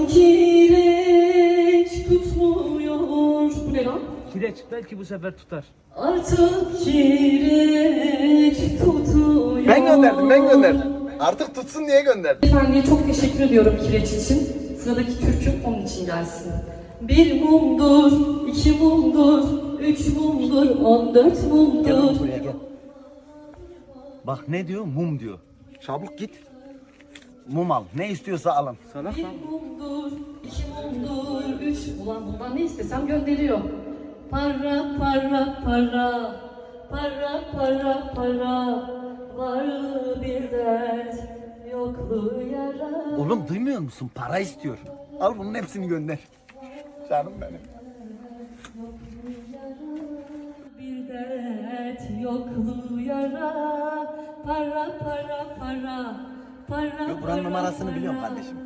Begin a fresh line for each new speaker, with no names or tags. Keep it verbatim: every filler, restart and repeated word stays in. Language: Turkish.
Artık kireç tutmuyor. Bu ne lan?
Kireç belki bu sefer tutar.
Artık kireç tutuyor.
Ben gönderdim, ben gönderdim. Artık tutsun diye gönderdim.
Efendiye çok teşekkür ediyorum kireç için. Sıradaki türkü onun için gelsin. Bir mumdur, iki mumdur, üç mumdur, on dört
Gel
mumdur.
oğlum buraya gel. Bak ne diyor? Mum diyor.
Çabuk git.
Mum al. Ne istiyorsa alın.
Salak
Bir
lan.
mumdur, iki mumdur, üç... Ulan bundan ne istesem gönderiyor. Para, para, para, para, para, para, varlığı bir dert, yokluğu yara.
Oğlum duymuyor musun? Para istiyor. Al bunun hepsini gönder.
Canım benim.
Bir dert, yokluğu yara, para, para, para, para,
Yok buranın
para,
numarasını
para,
biliyorum kardeşim.